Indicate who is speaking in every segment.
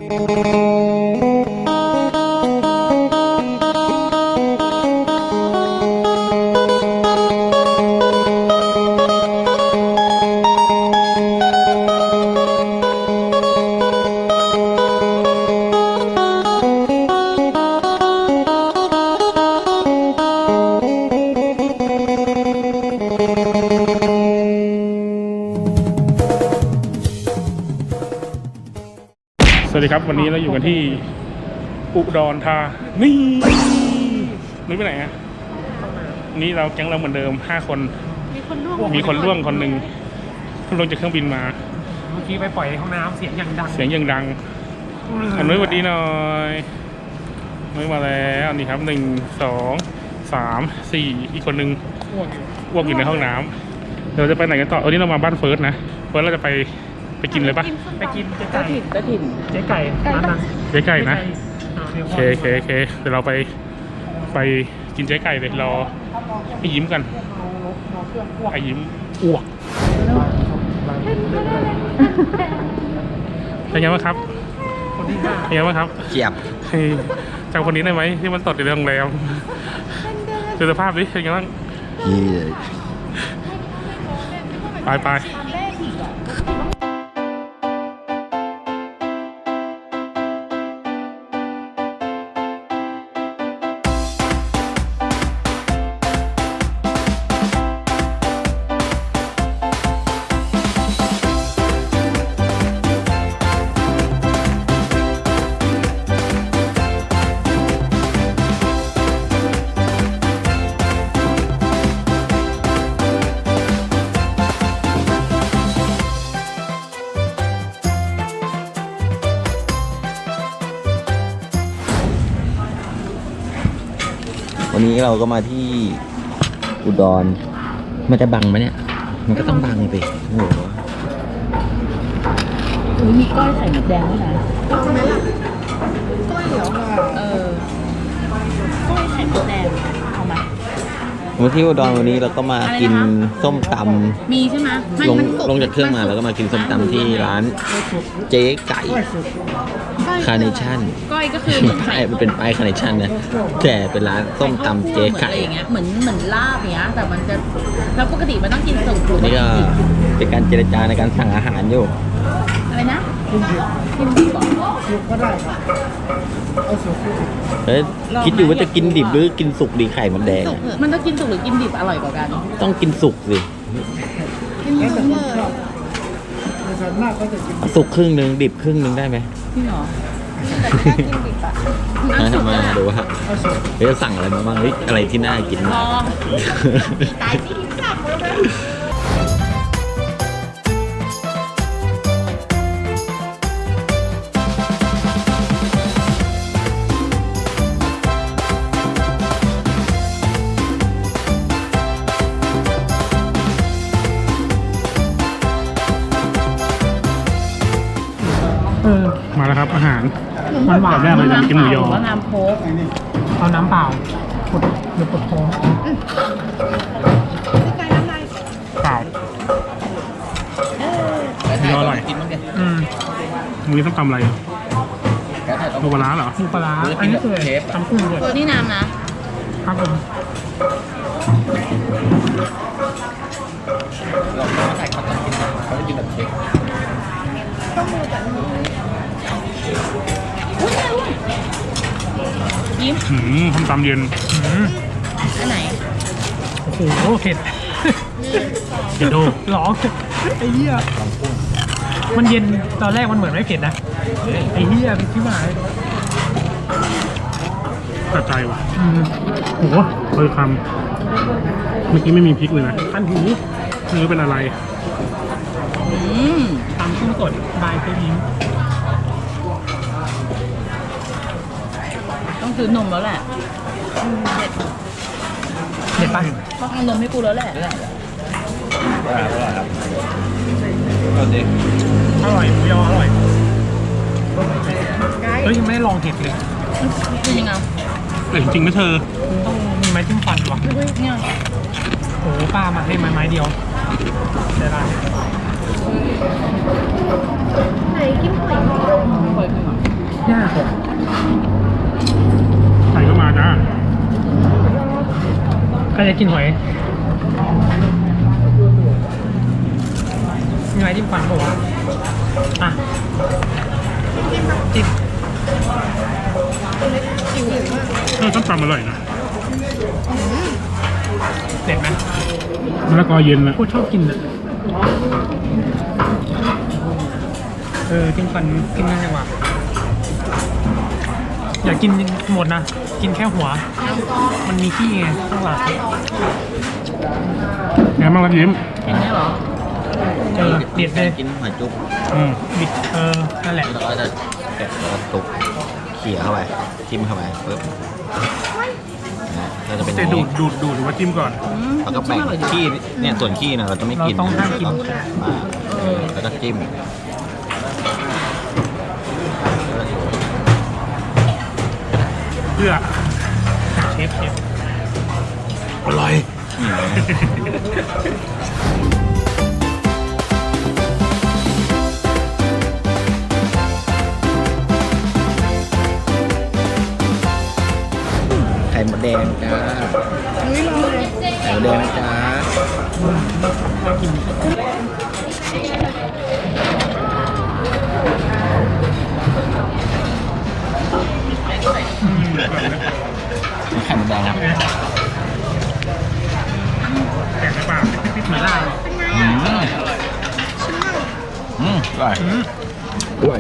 Speaker 1: สวัสดีครับวันนี้เราอยู่กันที่อุดรธานีนึกไปไหนฮะนี่เราแก๊งเราเหมือนเดิม5 คนมีคนร่วงคนหนึ่งลงจากเครื่องบินมา
Speaker 2: เมื่อกี้ไปปล่อยในห้องน้ำเสียงอย่างดัง
Speaker 1: อันนู้นสวัสดีหน่อยนุ้ยมาแล้วนี่ครับ1 2 3 4อีกคนนึงอ้วกอยู่ในห้องน้ำเราจะไปไหนกันต่อวันนี้เรามาบ้านเฟิร์สนะเฟิร์สเราจะไปกินเลยปะ
Speaker 2: ไปกินเจ๊ไก่เจ๊ไก่ร้านนั้น
Speaker 1: เจ๊ไก่นะโอเคเดี๋ยวเราไปกินเจ๊ไก่เลยรอให้ยิ้มกันให้ยิ้มอ้วกเป็นไงบ้างครับเป็นไงบ้างครับ
Speaker 3: เจียบ
Speaker 1: จำคนนี้ได้ไหมที่มันตดอยู่ในโรงแรมดูสภาพดิเป็นไงบ้างไป
Speaker 3: วันนี้เราก็มาที่อุดรมันจะบังไหมเนี่ยมันก็ต้องบังไปโอ้โห
Speaker 4: มีก้อยไข่มดแดงด้วยนะเอาไหมล่ะก้อยเหรอก้อยไข่มดแดงเอาไหม
Speaker 3: มาที่อุดรวันนี้เราก็มากินส้มต
Speaker 4: ำมีใช่ไหม
Speaker 3: ลงจากเครื่องมาแล้วก็มากินส้มตำที่ร้านเจ๊ไก่คาร์เนชั่น
Speaker 4: ก้อยก็คือ
Speaker 3: มันเป็นป้ายคาร์เนชั่นนะแต่เป็นร้านส้มตำเจ๊ไก่
Speaker 4: อย่างเงี้ยเหมือนลาบเงี้ยแต่มันจะแล้วปกติมันต้องกินสุก
Speaker 3: นี่ก็เป็นการเจรจาในการสั่งอาหารอยู่
Speaker 4: อะไรนะกินดิบก็ได้ครับ
Speaker 3: คิดอยู่ว่าจะกินดิบหรือกินสุกดีไข่มันแดง
Speaker 4: มันจะกินสุกหรือกินดิบอร่อยกว่ากัน
Speaker 3: ต้องกินสุกสิสุกครึ่งนึงดิบครึ่งนึงได้ไหม
Speaker 4: จริงเหรอ
Speaker 3: มาดูว่าเฮ้ยสั่งอะไรมาบ้างอะไรที่น่ากินบ้าง
Speaker 4: ตายที่สั่งเลย
Speaker 1: มาแล้วครับอาหาร
Speaker 2: มันหวาน
Speaker 1: แรกเลยจะกินหมูยอ
Speaker 4: น้ำโค้ก
Speaker 2: เอาน้ำเปล่าหรือปดท้อง
Speaker 1: เปล่าหมูยออร่อยมือส้มตำอะไรหมูปลาร้าเหรอ
Speaker 2: หมูปลาอันนี้คือตำกุ้งเลย
Speaker 4: ตัวนี้น้ำนะครับ
Speaker 2: ผม
Speaker 3: เราใส่ข้าวต้มกินเขาจะกินแบบเค้ก
Speaker 4: ยิ้ม
Speaker 1: ส้มตำเย็น
Speaker 4: อันไหน
Speaker 2: โอ้โหเผ็ด
Speaker 1: เผ็ดโด
Speaker 2: ร้องไอ้เหี้ยมันเย็นตอนแรกมันเหมือนไม่เผ็ดนะไอ้เหี้ยเป็นที่หมาย
Speaker 1: ตัดใจว่ะโอ้โหเลยคำเมื่อกี้ไม่มีพริกเลยนะ
Speaker 2: คันหู
Speaker 1: ไม่รู้เป็นอะไร
Speaker 2: ตำกุ้งสดบายเจ๊ยิ้ม
Speaker 4: ต้องซื้อนมแล้วแหละ
Speaker 2: เด็ดป่ะ
Speaker 4: ต้องเอานมให้กูแล้วแหละ
Speaker 2: อร่อยหมูยออร่อยเฮ้ยยังไม่ได้ลองเห็ดเลย
Speaker 4: จริงอ่ะ
Speaker 1: จริงไหมเธอ
Speaker 2: ต้องมีไม้จิ้มฟันวะ
Speaker 4: เนี่ย
Speaker 2: โอ้ป้ามาให้ไม้เดียวได้ไหนกินหอย
Speaker 1: ใส่เข้ามาจ้า
Speaker 2: ใครจะกินหอยมีอะไรจิ้มฟันบอกว่าอ่ะจิ้ม
Speaker 1: ต้มตำอร่อยนะ
Speaker 2: เด็ดไหม
Speaker 1: มะละกอเย็นนะ
Speaker 2: โคตรชอบกินอ่ะจิ้มฟันกินง่ายจังวะอยากกินหมดนะกินแค่หัว มันมีขี้ไงข้างหลัง
Speaker 1: ไงบ้างครับยิ้ม
Speaker 4: เห็นไหมเหรอ
Speaker 2: เด็ดเลย
Speaker 3: กินหอยจุ๊บ
Speaker 2: บิดนั่นแหละ
Speaker 3: แล้วก็จะแกะแล้วก็ตุกเขี่ยเข้าไปจิ้มเข้าไปปึ๊บนะเราจะเป็นอ
Speaker 1: จะ
Speaker 3: ย่าง
Speaker 1: ดู
Speaker 3: นี้
Speaker 1: ดหรือว่าจิ้มก่อน
Speaker 3: แล้วก็แบ่งขี้เนี่ยส่วนขี้นะเราจะไม่กิน
Speaker 2: เราต้องห้ามกิน
Speaker 3: แล้วก็จิ้ม
Speaker 1: เพื่อ
Speaker 2: เชฟ
Speaker 1: อร่อย
Speaker 3: นี่เลยไข่มดแดงจ้าไข่มดแดงนะจ๊ะไข่มดแดงครับ
Speaker 1: แกะในปากติดๆหน่อยได้
Speaker 3: อร่อยอร่อย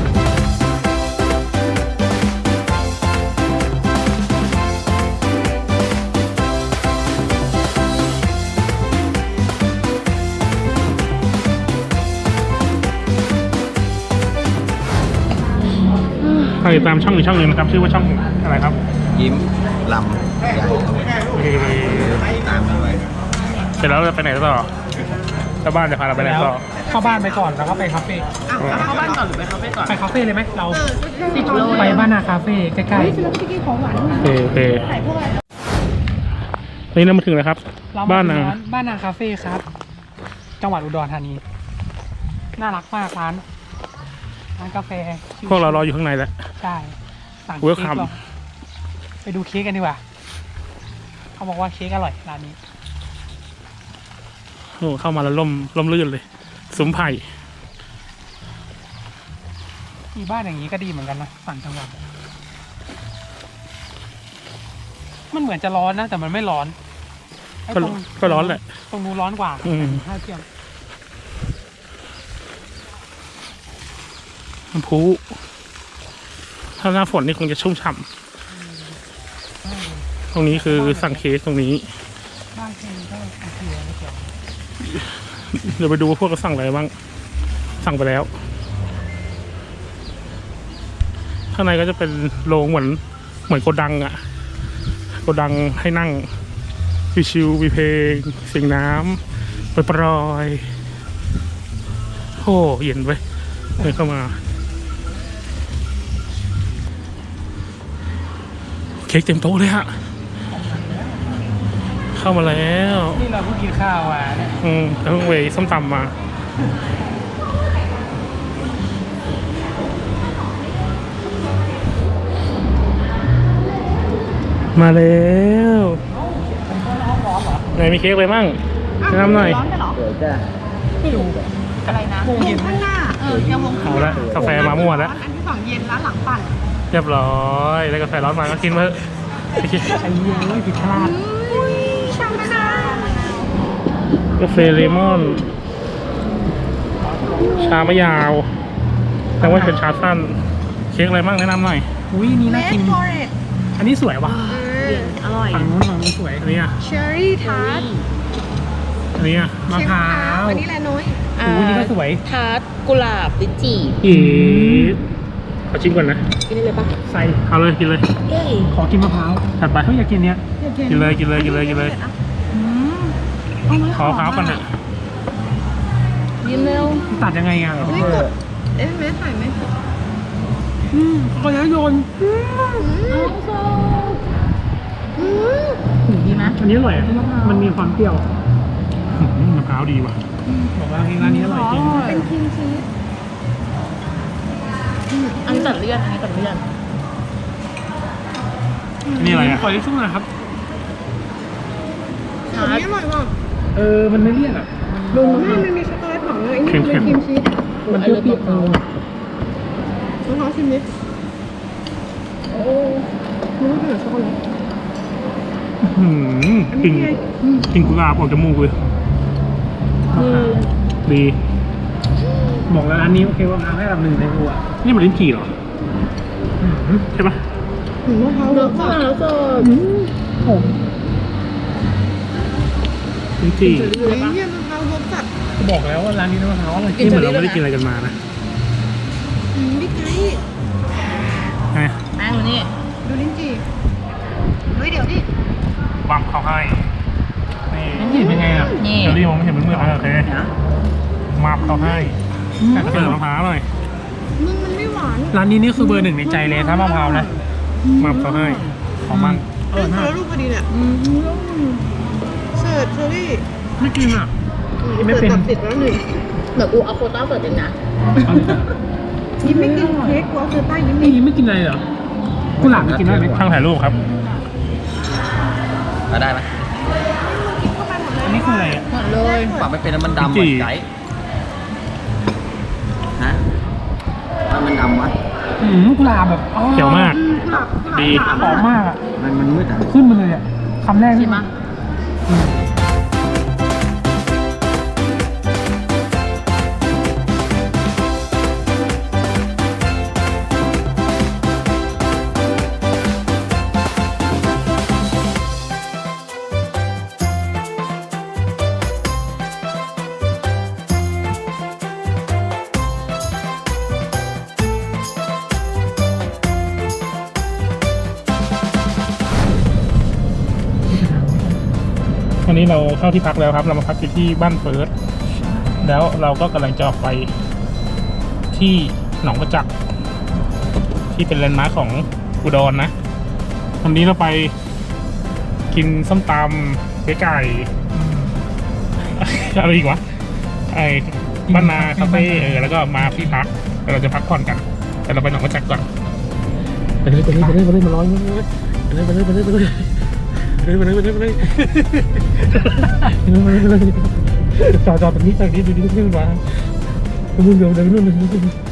Speaker 1: ใครติดตามช่องอีกช่องหนึ่งนะครับชื่อว่าช่องอะไรครับ
Speaker 3: ยิ้มลำใหญ่ ตามด้วย
Speaker 1: เสร็จแล้วเราจะไปไหนต่อถ้าบ้านจะพาเราไปไหน
Speaker 2: แล้ว
Speaker 1: ต่อ
Speaker 2: เข้าบ้านไปก่อนแล้วก็ไปคาเฟ่
Speaker 4: อ้าวเข้าบ้านก่อนหรือไปคาเฟ่ก่อน
Speaker 2: ไปคาเฟ่เลยไหมเรา
Speaker 4: 10 โล
Speaker 2: ไปบ้านนาคาเฟ่ใกล้
Speaker 1: โอเคนี่เรามาถึงแล้วครับ
Speaker 2: ๆเรา
Speaker 1: บ้าน
Speaker 2: ม
Speaker 1: นา
Speaker 2: ถึงบ้านนาคาเฟ่ครับ จังหวัดอุดรธานีน่ารักมากร้านกาแฟ
Speaker 1: พวกเรารออยู่ข้างในแล้ว
Speaker 2: ใช่สั่ง
Speaker 1: Welcome
Speaker 2: เค้กเราไปดูเค้กกันดีกว่าเขาบอกว่าเค้กอร่อยร้านนี้
Speaker 1: โอ้เข้ามาแล้วล่มลื่นเลยซุ้มไผ่
Speaker 2: มีบ้านอย่างนี้ก็ดีเหมือนกันนะต่างจังหวัดมันเหมือนจะร้อนนะแต่มันไม่ร้อนไอ้
Speaker 1: ก็
Speaker 2: ตรง
Speaker 1: ก็ร้อนแหละ
Speaker 2: ตรงนู้นร้อนกว่า
Speaker 1: อืม
Speaker 2: ถ้าเทียบ
Speaker 1: น้ำพุถ้าหน้าฝนนี่คงจะชุ่มฉ่ำตรงนี้คือสั่งเค้กตรงนี้
Speaker 2: บ้านเคนก็โอเคไม่เกี่ยว
Speaker 1: เดี๋ยวไปดูว่าพวกเราสั่งอะไรบ้าง สั่งไปแล้ว ข้างในก็จะเป็นโรงเหมือนโกดังอะโกดังให้นั่งวิชิววีเพลงเสียงน้ำปรอยๆโอ้เย็นไปเดินเข้ามา เค้กเต็มโต๊ะเลยฮะ เข้ามาแล้ว
Speaker 2: นี่เราเพิ่งกินข้าวอ่ะเนี่ย
Speaker 1: แล้วเวย์ส้มตำมา มาแล้วไหนมีเค้กอะไรมั่งแนะนำหน่อย
Speaker 4: ร้อนไปเหรอ
Speaker 3: เดี๋ยวจ้า
Speaker 2: ไม่รู้
Speaker 4: อะไรนะ
Speaker 2: วงเย็น
Speaker 4: ข้างหน้ายังวง
Speaker 1: เอาละกาแฟมามั่วแล้ว
Speaker 4: อันที่สองเย็นร้านหลังปั่น
Speaker 1: เรียบร้อยแล้วกาแฟร้อนมาก็กินมาเถอะ
Speaker 2: ไอ้เหี้ยไม่ผิดพลาด
Speaker 4: ชามะนาว
Speaker 1: กาแฟเลมอน ชามะยาว แต่ว่าเป็นชาสั้น เค้กอะไรบ้างแนะนำหน่อย
Speaker 2: อุ้ยนี่น่ากิน อันนี้สวยว่ะ
Speaker 4: อร่อย
Speaker 2: ฝั่งนู้นสวย
Speaker 1: อันนี้อ่ะ
Speaker 5: เชอร์รี่ทาร์ต
Speaker 1: อันนี้อ่ะ
Speaker 2: มะพร้าว
Speaker 5: อันนี้แหละน้อย
Speaker 2: อุ้ยนี่ก็สวย
Speaker 4: ทาร์ตกุหลาบลิ้นจี่
Speaker 1: อีดขอชิมก่อนนะ
Speaker 4: กินได้เลยปะ
Speaker 2: ใส่
Speaker 1: เอาเลยกินเลย
Speaker 4: เย้
Speaker 2: ขอกินมะพร้าว
Speaker 1: ถัดไป
Speaker 2: เฮ้ยอยากกินเนี้ย
Speaker 1: กินเลยกินเลยกินเลยกินเลย ขอมะพร้าวก่อนเถอะ
Speaker 4: ยิ้มเร็ว
Speaker 2: ตัดยังไงอ่ะ
Speaker 5: เฮ้ยกดเอ๊ะแม่ถ่ายไหม
Speaker 2: ก็จะโยน
Speaker 4: ถึงดีไหม
Speaker 2: อันนี้อร่อยอะมันมีความเปรี้ยว
Speaker 1: มะพร้าวดีว่ะ
Speaker 2: บอกว่าร้านนี้อร่อยจริง
Speaker 5: เป็นครีมชีส
Speaker 4: อันนี้ตัดเลี่ยนอันนี้ตัดเลี่ยน
Speaker 1: นี่อะไรอ่ะ
Speaker 2: ขอทิชชู่หน่อยครับ
Speaker 4: ทาร์ต
Speaker 5: นี่อร่อยว่ะ
Speaker 2: มันไม่เลี่ยนอ่ะ
Speaker 5: ลุงมันมีช็อกโกแลตของเลยไอ้นี่มันเป็นครีมชีส
Speaker 2: มันเปรี้ยวๆ
Speaker 5: น้องๆชิมนิดโอ้มันต้องเป็นช็อกโกแลต
Speaker 1: หืมกลิ่นกลิ่นกุหลาบออกจมูกเลยดี
Speaker 2: บอกแล้วร้านนี้โอเคว่าพาให้แบบหนึ่งในหัว
Speaker 1: นี่มันลิ้นจี่เหรอใช่ปะ
Speaker 5: หนูมะพร้าว
Speaker 4: เลื
Speaker 5: เวิ
Speaker 4: อ
Speaker 5: ร์
Speaker 4: ก
Speaker 5: ก
Speaker 4: ข้าว
Speaker 5: อะ
Speaker 4: แล้วก็
Speaker 2: ผม
Speaker 1: ลิ้นจี่
Speaker 5: เฮ้ยเยี่ยมมะพร้าวเวิร์กจัด
Speaker 2: บอกแล้วว่าร้านนี้น้ำมะพร้าวอร่อยจริ
Speaker 1: นี่
Speaker 2: ง
Speaker 1: เหมือนเราไม่ได้กินอะไรกันมานะ
Speaker 5: บิ๊กไก่
Speaker 1: ไง
Speaker 4: แม่งอยู่นี่
Speaker 5: ดูลิ้นจี่เฮ้ยเดี๋ยวดิ
Speaker 1: บังเขาให้นี่
Speaker 2: นี่เป็นไงอ่ะ
Speaker 4: นี่
Speaker 1: เดี๋ยวรีมองไม่เห็นเป็นมือโอเคมาบเขาให้เปิดมะพร้าวหน่อย
Speaker 5: มึงมันไม่หวาน
Speaker 2: ร้านนี้นี่คือเบอร์หนึ่งในใจเลยถ้ามะพร้าวนะ
Speaker 1: มาบเขาให้ของมัน
Speaker 5: เออแล้วลูกพอดีเนี่ยเสิร์ฟเชอรี่
Speaker 2: ไม่กินอ่ะ ไม่
Speaker 5: เสิร์ฟ
Speaker 2: เป็น
Speaker 5: ตัดสิทธิ์แล้วหนึ่ง
Speaker 4: เดี๋ยวกูเอาโควต้าเปิดเองนะ
Speaker 5: ยิ้มไม่กินเค้กกูเอาคือใต้ยิ้ม
Speaker 2: นี่ไม่กินอะไรเหรอกุหลาบไม่กินได้ไหม
Speaker 1: ช่างถ่ายรูปครับ
Speaker 3: มาได้ไหม
Speaker 2: อันนี้คืออะไรอ่ะ
Speaker 4: หมดเลย
Speaker 3: ปรับไม่เป็นแล้วมันดำเห
Speaker 1: จริ
Speaker 3: มือง นไก่ฮะถ้ามันดำวะ
Speaker 2: กุหลาบแบบอ๋อ
Speaker 1: เขียวมาก ดี
Speaker 2: หอมมากอ่ะ
Speaker 3: มันมืดอ่ะ
Speaker 2: ขึ้นมาเลยอ่ะคำแรก
Speaker 4: ชิ
Speaker 2: นี่
Speaker 4: มปะ
Speaker 1: วันนี้เราเข้าที่พักแล้วครับ เรามาพักอยู่ที่บ้านเฟิร์สแล้วเราก็กำลังจะออกไปที่หนองประจักษ์ที่เป็นแลนด์มาร์คของอุดรนะ วันนี้เราไปกินส้มตำเจ๊ไก่ อะไรอีกวะไอ้บ้านนาคาเฟ่แล้วก็มาที่พักแล้วเราจะพักผ่อนกัน แต่เราไปหนองประจักษ์ก่อนไปเลยมาร้อยไปเลยจอดตรงนี้ดูนี่ขึ้นมาเดี๋ยวนู่น